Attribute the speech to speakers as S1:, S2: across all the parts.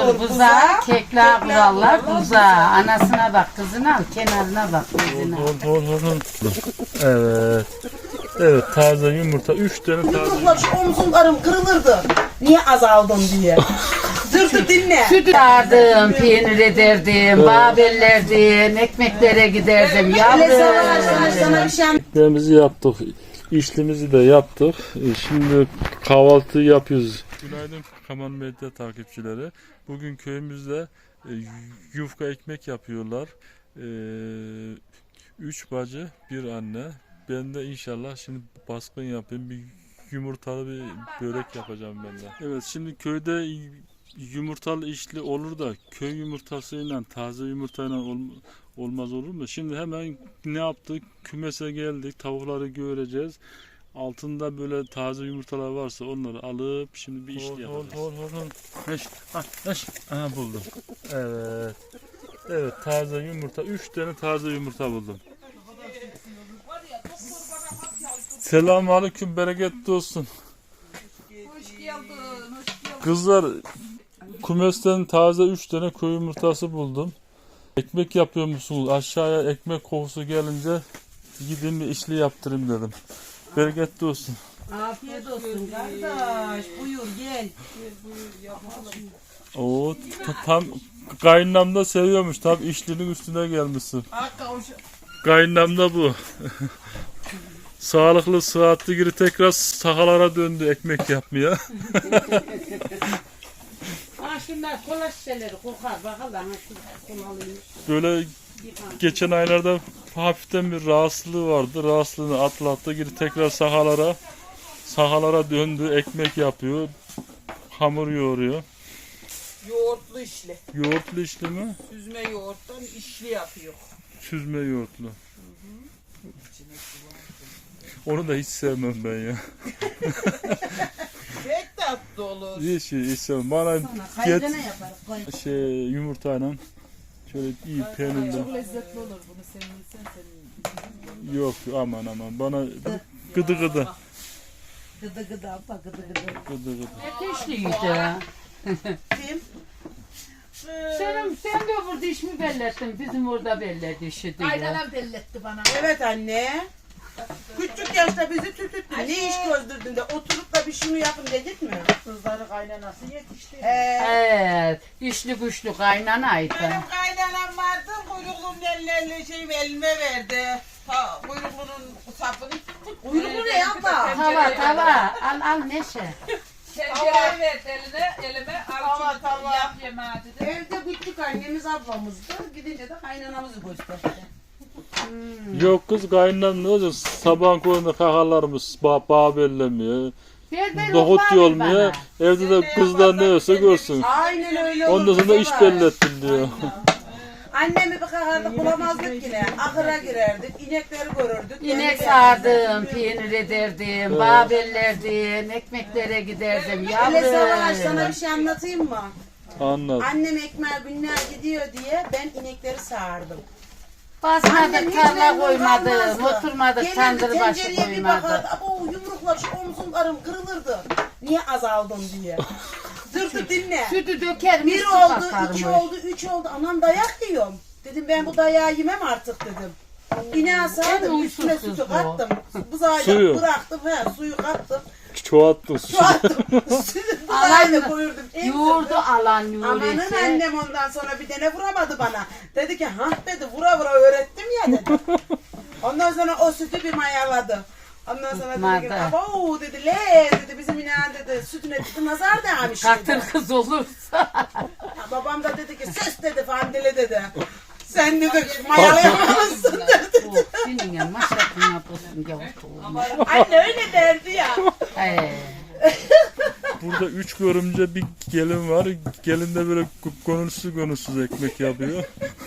S1: olur buza, kekler kurallar buza. Anasına bak, kızına al, kenarına bak, kızına.
S2: Evet. Evet, taze yumurta. 3 tane taze yumurta.
S3: Omzumlarım kırılırdı. Niye azaldım diye. Dur dinle.
S1: Süt sardım, peynir ederdim, babellerdim, ekmeklere giderdim.
S3: Sana bir şey
S2: Ekmeğimizi yaptık. İşlimizi de yaptık. Şimdi kahvaltı yapıyoruz. Günaydın Kaman Medya takipçileri. Bugün köyümüzde yufka ekmek yapıyorlar. 3 bacı, bir anne. Ben de inşallah şimdi baskın yapayım. Bir yumurtalı bir börek yapacağım ben de. Evet, şimdi köyde yumurtalı işli olur da köy yumurtasıyla taze yumurtayla olmaz olur mu? Şimdi hemen ne yaptık? Kümese geldik. Tavukları göreceğiz. Altında böyle taze yumurtalar varsa onları alıp şimdi bir işli yapacağız. Aha buldum. Evet. Evet, taze yumurta. 3 tane taze yumurta buldum. Selamünaleyküm, bereketli olsun.
S4: Hoş geldin.
S2: Kızlar, kümesten taze 3 tane köy yumurtası buldum. Ekmek yapıyor musunuz? Aşağıya ekmek kokusu gelince gideyim bir işli yaptırayım dedim. Bereketli olsun.
S3: Afiyet olsun kardeş. Buyur gel.
S2: Oo, tam kaynanam da seviyormuş. Tam işlinin üstüne gelmişsin. Kaynanam da bu. Sağlıklı, sıhhatli geri tekrar sahalara döndü ekmek yapmaya.
S1: Ha şunlar kola şişeleri kokar bakalım.
S2: Böyle geçen aylarda hafiften bir rahatsızlığı vardı. Rahatsızlığını atlattı. Geri tekrar sahalara döndü. Ekmek yapıyor. Hamur yoğuruyor.
S4: Yoğurtlu işli.
S2: Yoğurtlu işli mi?
S4: Süzme yoğurttan işli yapıyor.
S2: Süzme yoğurtlu. Onu da hiç sevmem ben ya.
S4: Pek tatlı olur.
S2: Hiç sevmem. Bana get yumurtayla şöyle iyi peynirle.
S4: Çok lezzetli olur bunu senin.
S2: Yok aman bana gıdı.
S3: Gıdı abla gıdı.
S1: Ateşliydi.
S3: Kim?
S1: Sen de burada iş mi bellettin? Bizim orada belledi işi diye.
S4: Aynanem belletti bana.
S3: Evet anne. Küçük yaşta bizi tütüttün. Ne iş gözdürdün de oturup da bir şunu yapın dedik mi?
S4: Kızları kaynanası yetişti.
S1: Evet, işli güçlü kaynanaydı.
S4: Benim kaynanam vardı. Kuyruğum elime verdi. Kuyruğunun sapını.
S3: Kuyruğu ne yapma?
S1: Tava, al Neşe.
S4: Tencereyi verdi elime. Al şunu yap yemeği dedi.
S3: Evde küçük annemiz ablamızdı. Gidince de kaynanamızı gösterdi.
S2: Yok kız kaynanam ne olacak? Sabahın koyunda kakalarımız bağ bellemiyor. Nohut yolmuyor. Evde de kızlar ne olsa görsün.
S3: Aynen öyle olur.
S2: Ondan sonra iş bellettin diyor.
S3: Annemi bir kakardık bulamazdık yine. Ahıra girerdik, inekleri görürdük.
S1: İnek sağdım, peynir ederdim, babellerdim, ekmeklere giderdim.
S3: Hele Savaş sana
S1: Yavrum.
S3: bir şey anlatayım mı?
S2: Anladım.
S3: Annem ekmeğe günler gidiyor diye ben inekleri sağardım.
S1: Basmadık, tarla koymadık,
S3: kalmazdı.
S1: oturmadık,
S3: Gelirdi,
S1: tandır başı
S3: tencereye bir
S1: koymadık.
S3: bakardı. Abo yumruklar şu omzumlarım kırılırdı. Niye azaldım diye. Dur dinle.
S1: Sütü dökerim,
S3: Bir
S1: su
S3: oldu,
S1: bakarmış.
S3: iki oldu, üç oldu. Anam dayak yiyorum. Dedim ben bu dayağı yemem artık dedim. İneğe sağdım,
S1: uysuz
S3: üstüne
S1: kız
S3: sütü
S1: bu.
S3: kattım. Buzağıyla
S2: Suyu.
S3: bıraktım, suyu kattım.
S2: Çoğalttın.
S3: Şu attım. Sütü buzağıyla koyurdum.
S1: Yoğurdu alan
S3: Amanın
S1: Nuri'si.
S3: annem ondan sonra bir tane vuramadı bana. Dedi ki dedi vura öğrettim ya dedi. Ondan sonra o sütü bir mayaladı. Ondan sonra dedi ki abo dedi dedi bizim inan dedi sütüne dedi nazar değmiş
S1: Katır
S3: dedi.
S1: kız olursa.
S3: Babam da dedi ki söz dedi Fandile dedi. Sen dedi mayalayamazsın dedi.
S1: Senin ya maşakını yapıyorsun yavrum.
S3: Anne öyle derdi ya.
S2: Burada 3 görümce bir gelin var. Gelin de böyle konusuz ekmek yapıyor.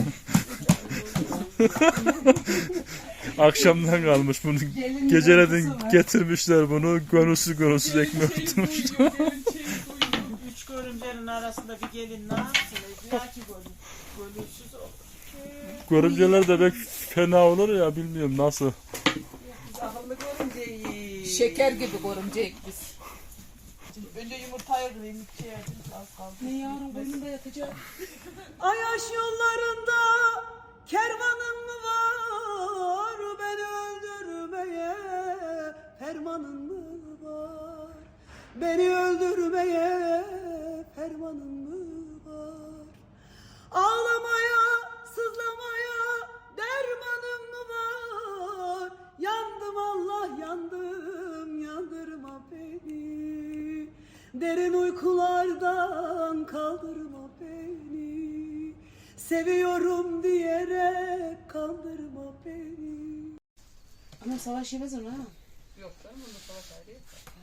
S2: Akşamdan kalmış bunu. Gecelerin getirmişler bunu. Konusuz ekmek tutmuş.
S4: 3 görümcenin arasında bir gelin ne yapsın? Belki gönülsüz olur.
S2: Görümceler de pek fena olur ya bilmiyorum nasıl.
S4: Akıllı görümceyi.
S5: Şeker gibi görümcek biz.
S4: Önce yumurtayı kırayım. İki yerdim. Az kaldı.
S3: Ne yavrum boynunda yatacak.
S5: Ayaş yollarında kervanım mı var? Beni öldürmeye fermanın mı var? Beni öldürmeye fermanın mı var? Ağlamaya, sızlamaya dermanım mı var? Yandım Allah yandım, yandırma beni. Derin uykulardan kaldırma beni. Seviyorum diyerek kandırma beni.
S3: Ama savaş yemez onu ha.
S4: Yok canım bunda savaş ayrı yok.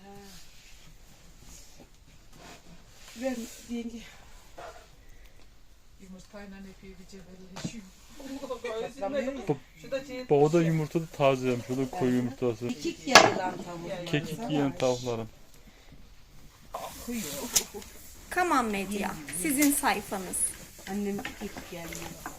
S3: Ver yenge.
S4: Yumurtayla epey bir cebelleşiyor. Şu da şey.
S2: Bak o da yumurta da tazeymiş. O da koyu yumurtası.
S3: Kekik yarılan tavuk.
S2: Kekik yiyen tavuklarım.
S6: Kaman Medya, sizin sayfanız.
S3: Annem kekik geldi.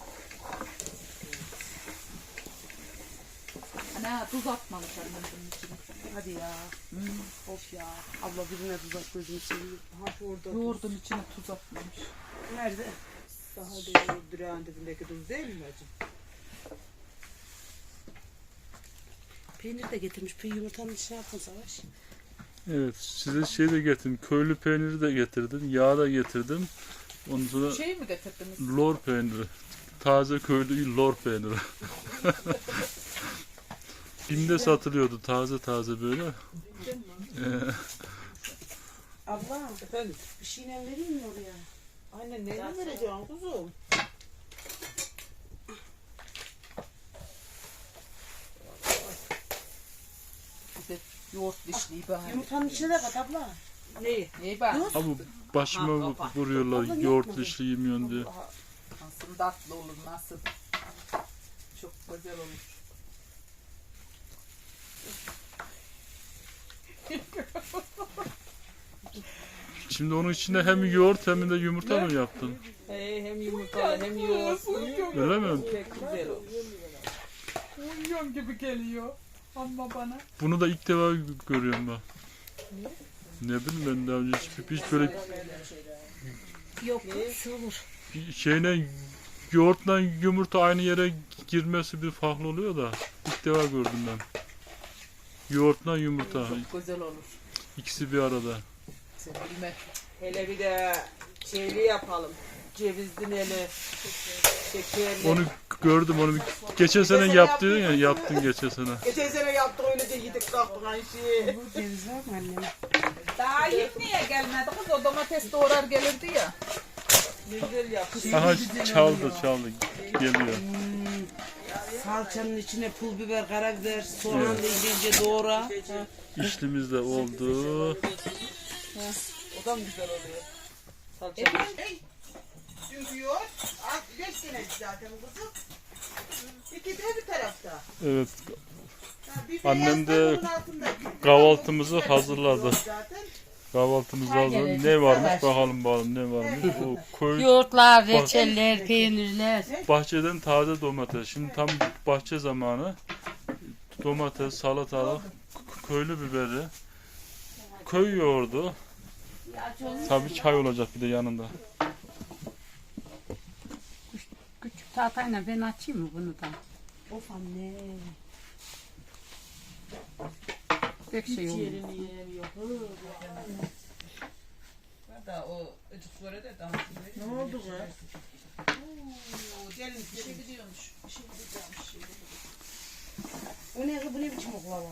S4: Ana tuz atmamış annem bunun içine.
S3: Hadi ya. Of ya. Abla birine tuz at gözünü seveyim. Ha şurada.
S4: Yoğurdun içine tuz atmamış.
S3: Nerede?
S5: Daha da durağın dibindeki tuz değil mi bacım?
S3: Peynir de getirmiş. Peynir yumurtanın içine atın Savaş.
S2: Evet size şey de getirdim. Köylü peyniri de getirdim. Yağ da getirdim. Ondan sonra
S4: Şey mi getirdiniz?
S2: lor peyniri. Taze köylü lor peyniri. Bim'de satılıyordu taze taze böyle.
S3: Abla
S5: Efendim?
S3: bir şeyle vereyim mi oraya?
S5: Anne neyle vereceğim kuzum?
S4: Bir de yoğurt dişliği bahane.
S3: Yumurtanın içine de kat abla.
S5: Neyi?
S4: İyi bak.
S2: Ama başıma vuruyorlar yoğurt dişli yemiyorsun diye.
S4: Nasıl tatlı olur nasıl. Çok güzel olur.
S2: Şimdi onun içine hem yoğurt hem de yumurta mı yaptın?
S5: Hem yumurta hem yoğurt.
S2: Öyle mi?
S5: Pek güzel olur.
S4: Uyuyorum gibi geliyor. Ama bana.
S2: Bunu da ilk defa görüyorum ben. Ne bileyim ben daha önce hiç böyle
S3: Yok şu olur.
S2: şeyle yoğurtla yumurta aynı yere girmesi bir farklı oluyor da ilk defa gördüm ben. Yoğurtla yumurta
S4: Çok güzel olur.
S2: ikisi bir arada.
S4: Sen bilme.
S5: Hele bir de şeyli yapalım. Cevizli neli, şekerli.
S2: Onu gördüm onu geçen sene yaptın ya yaptın geçen sene.
S5: Geçen sene yaptık öyle de yedik kalktık aynı şeyi.
S3: Ceviz var mı annem?
S4: Daha ilk niye gelmedi kız? O domates doğrar gelirdi ya.
S5: Ne güzel yaptık.
S2: Aha çaldı geliyor.
S3: Salçanın içine pul biber, karabiber, soğan da ince doğra.
S2: İşlimiz de oldu.
S5: O da mı güzel oluyor? Salça.
S3: Çünkü yoğurt 5 senelik zaten kızım. İki de bir tarafta.
S2: Evet
S3: Bir
S2: Annem
S3: beyaz
S2: de
S3: tavuğun altında.
S2: kahvaltımızı hazırladı.
S3: Zaten.
S2: Kahvaltımızı hazırladı. Ne varmış bakalım ne varmış. O köy
S1: Yoğurtlar, reçeller, peynirler.
S2: bahçeden taze domates. Şimdi tam bahçe zamanı. Domates, salatalık, köylü biberi, köy yoğurdu. Tabii çay olacak bir de yanında.
S1: Küçük tahtayla ben açayım mı bunu da?
S3: Of anne.
S1: Pek şey olur.
S3: Yerini yiyemiyor.
S5: Da o ıcık böyle de daha.
S3: Ne oldu kız?
S5: Gelin
S4: Bir şey gidiyormuş. Bir şey gidiyormuş.
S3: O ne kız, bu ne biçim oklava?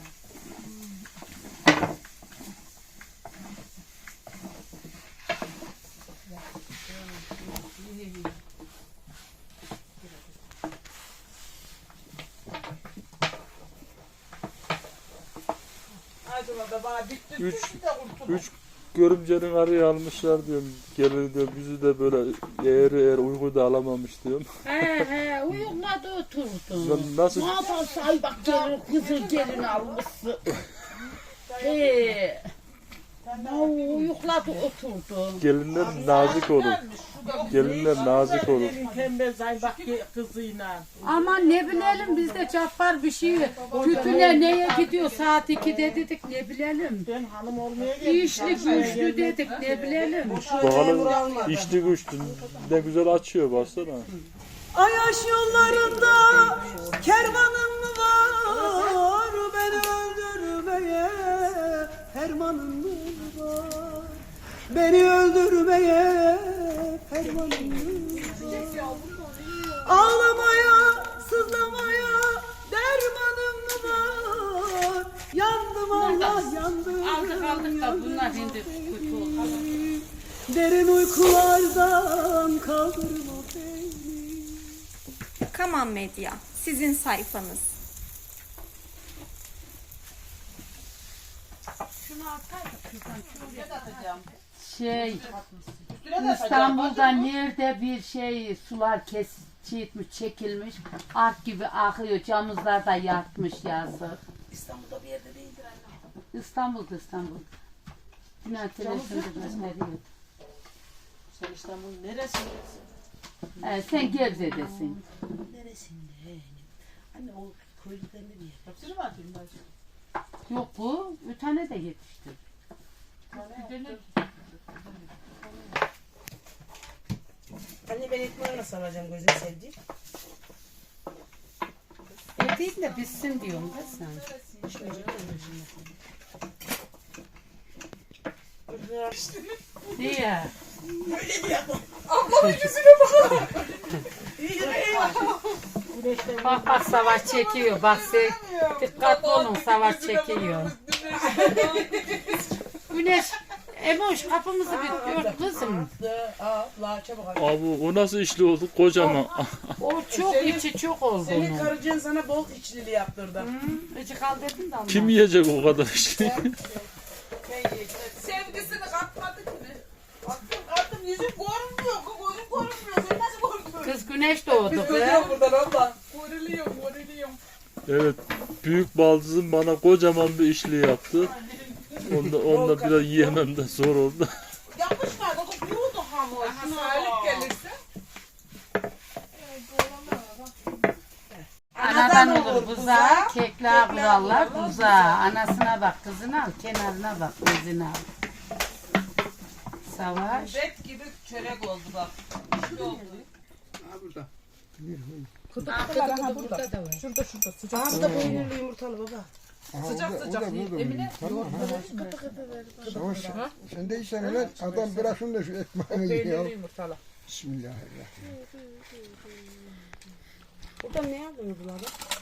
S5: Acaba da bana bitti.
S2: Üç-
S5: bitti de kurtuldum.
S2: Üç görümcenin araya almışlar diyorum. Gelir diyor bizi de böyle eğer uyku da alamamış diyorum.
S1: He uyukladı oturdu.
S2: Ben nasıl
S1: Ne yaparsa ay bak gelin kızı gelin almışsın. He. Ne uyukladı oturdu.
S2: gelinler nazik olur.
S5: Gelmiş, şu
S2: Gelinler nazik olur.
S4: Gelin tembel zaybak kızıyla.
S1: Ama ne bilelim bizde Cappar bir şey. Tütüne neye gidiyor saat 2'de dedik ne bilelim.
S4: Ben hanım olmaya geldim.
S1: İşli güçlü dedik ne bilelim.
S2: Bakalım içli güçlü ne güzel açıyor baksana.
S5: Ayaş yollarında kervanım mı var? Beni öldürmeye fermanım mı var? Beni öldürmeye fermanım mı var? Ağlamaya, sızlamaya dermanım mı var? Yandım Allah yandım.
S1: Aldık da bunlar şimdi kötü oldu.
S5: Derin uykulardan kaldırma beni.
S6: Kaman Medya, sizin sayfanız.
S1: İstanbul'da nerede bir şey sular çekilmiş, ark gibi akıyor, camızlar da yatmış yazık.
S3: İstanbul'da bir yerde değildir anne.
S1: İstanbul'da. Günah televizyonda gösteriyor.
S4: Sen İstanbul'un neresindesin?
S1: Sen Gebze'desin.
S3: Neresinde? Anne o köylüklerinde bir yer.
S4: Hepsini mi atayım ben?
S1: Yok bu, bir tane de yetişti.
S3: Anne ben ekmeği nasıl alacağım gözüm sevdiğim?
S1: Değil de bitsin diyorum da sen. Diye. Bak savaş çekiyor. Bak dikkatli olun savaş çekiyor. Güneş Emoş kapımızı bir ört kızım.
S3: La çabuk al.
S2: Abi o nasıl içli oldu kocaman.
S1: O çok içi çok oldu
S3: Senin
S1: onun.
S3: karıcığın sana bol içlili yaptırdı.
S1: İçi kal dedin de ondan.
S2: Kim yiyecek o kadar içli?
S5: Sevgisini katmadık mı? Attım yüzüm görünmüyor. Gözüm görünmüyor. Sen nasıl görünmüyor?
S1: Kız güneş doğdu be.
S5: buradan abla. Görülüyorum.
S2: Evet, büyük baldızım bana kocaman bir içli yaptı. Onda biraz yiyemem de zor oldu.
S5: Yapışmadı. Kokuyordu hamur. Sağlık gelirse.
S1: Anadan olur buza, kekler kurallar buza. Anasına bak, kızına al, kenarına bak, gözüne al. Savaş.
S5: Bet gibi çörek oldu bak. İşte oldu.
S1: Burada da var.
S3: Aa da peynirli yumurtalı baba.
S5: Sıcak. Emine.
S7: Savaş, sen de içsen öyle adam bırakın da şu ekmeğini yiyor.
S5: Yumurtalı.
S7: Bismillahirrahmanirrahim.
S3: Buradan ne aldınız bunları?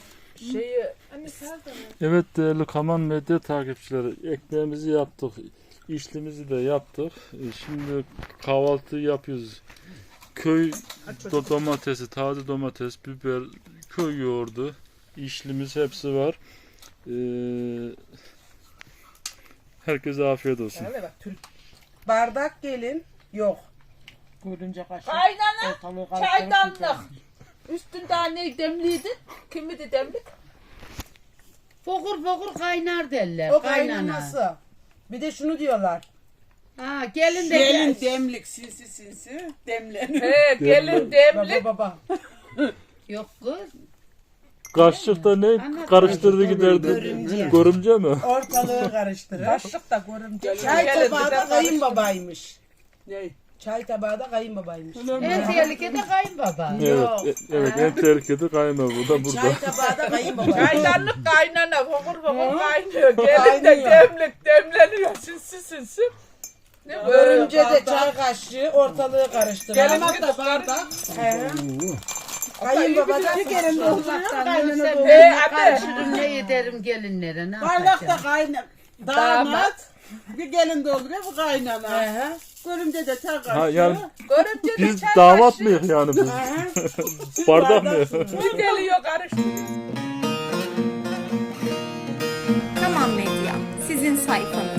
S2: Evet değerli Kaman Medya takipçileri, ekmeğimizi yaptık, içlimizi de yaptık. Şimdi kahvaltı yapıyoruz. Köy domatesi, taze domates, biber, köy yoğurdu, içlimiz hepsi var. Herkese afiyet olsun.
S3: Öyle bak Türk. Bardak gelin yok.
S4: Görünce kaşık.
S5: Kaynana. Çaydanlık. Üstünde ne demliydi? Kimidi demlik?
S1: Fokur fokur kaynar derler.
S3: O
S1: kaynana.
S3: kaynaması. Bir de şunu diyorlar.
S1: Ha gelin de
S5: Gelin
S1: gel.
S5: demlik sinsi demlenir. He gelin demlik.
S3: Baba.
S1: Yok kız.
S2: Kaşıkta ne karıştırdı giderdi? Görümce mi?
S3: Ortalığı karıştırır.
S5: Kaşık da görünce.
S3: Çay tabağı da kayınbabaymış.
S5: Ne?
S3: Çay tabağı da kayınbabaymış.
S1: En tehlikede kayınbaba.
S2: Evet, en tehlikeli kayma bu da burada.
S3: Çay tabağı da kayınbaba.
S5: Çaydanlık kaynana fokur kaynıyor. Gelin de demlik demleniyor sinsi. Ne
S3: Görünce de çay kaşığı ortalığı karıştırır.
S5: Gelin
S3: Ama
S5: bir
S3: da
S5: bardak.
S3: kayınbaba da tekerin dolduruyor. Kaynana
S5: He
S3: dolduruyor.
S5: anne.
S1: Karıştırın ne ederim gelinlere ne
S5: Bardakta
S1: yapacağım?
S5: kaynar. Damat. Bir gelin dolduruyor bu kaynana. Görümce de çay kaşığı.
S2: Ha, yani
S5: Görümce de
S2: biz
S5: çay
S2: damat
S5: kaşığı.
S2: mıyız yani biz? Bardak mı?
S5: Bir geliyor karıştırıyor.
S6: Kaman Medya, sizin sayfanız.